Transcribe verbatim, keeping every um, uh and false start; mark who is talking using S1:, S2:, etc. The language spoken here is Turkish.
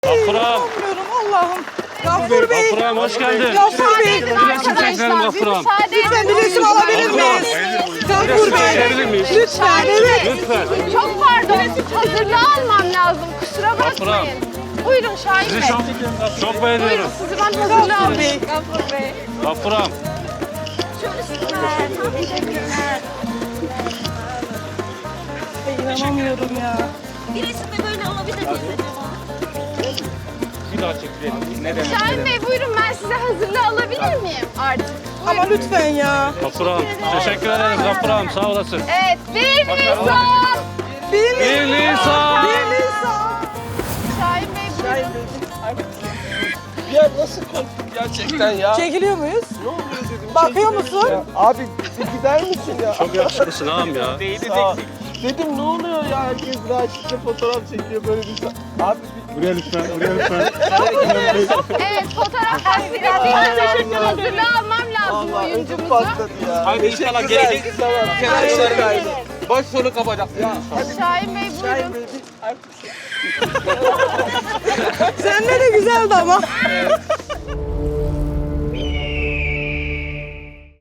S1: Gaffuram.
S2: Bilmiyorum Allah'ım. Gaffur Bey.
S1: Gaffuram hoş geldin.
S2: Gaffur Bey.
S1: Resim çekelim Gaffuram.
S2: Lütfen bir resim alabilir miyiz? Gaffur Bey.
S1: Çekebilir miyiz?
S2: Lütfen evet.
S1: Lütfen.
S3: Çok pardon. Hazırlığı almam lazım. Kusura bakmayın. Buyurun Şahin
S1: Sizi
S3: Bey.
S1: çok çok beğeniyorum.
S3: Buyurun sizi ben hazırlığı
S2: Gaffur
S3: alayım.
S2: Bey.
S3: Gaffur Bey.
S1: Gaffuram.
S2: Ay, İnanamıyorum ya.
S4: Bir resim de böyle olabilir miyiz acaba?
S1: Bir daha çekelim. Ne demek?
S3: Şahin Bey buyurun ben size hazırlığı alabilir miyim artık?
S2: Ama lütfen ya.
S1: Gaffuram. Teşekkür ederim Gaffuram. Sağ olasın.
S3: Evet. Bir Nisan.
S2: Bir
S1: Bir Nisan.
S2: Bir Nisan.
S3: Şahin Bey buyurun.
S5: Ya nasıl korktum gerçekten ya?
S2: Çekiliyor muyuz?
S5: Ne oluyor dedim.
S2: Bakıyor musun?
S5: Ya, abi bir gider misin ya?
S1: Çok yakışıklısın ağam ya.
S5: Sağ ol. Dedim ne oluyor ya? Herkes rahatlıkla fotoğraf çekiyor böyle bir sa- Abi bir...
S1: Buraya lütfen, buraya lütfen.
S3: Evet fotoğraf tasvir edildi. Hazırlığı almam lazım
S5: Allah ödüm
S3: oyuncumuzu.
S5: patladı ya. Hadi inşallah gelecek. Tamam. Arkadaşlar kaydı. Baş sonu kapacak. Ya hadi.
S3: Şahin Bey
S5: Şahin
S3: buyurun.
S5: Bey bir...
S2: Sende de güzeldi ama.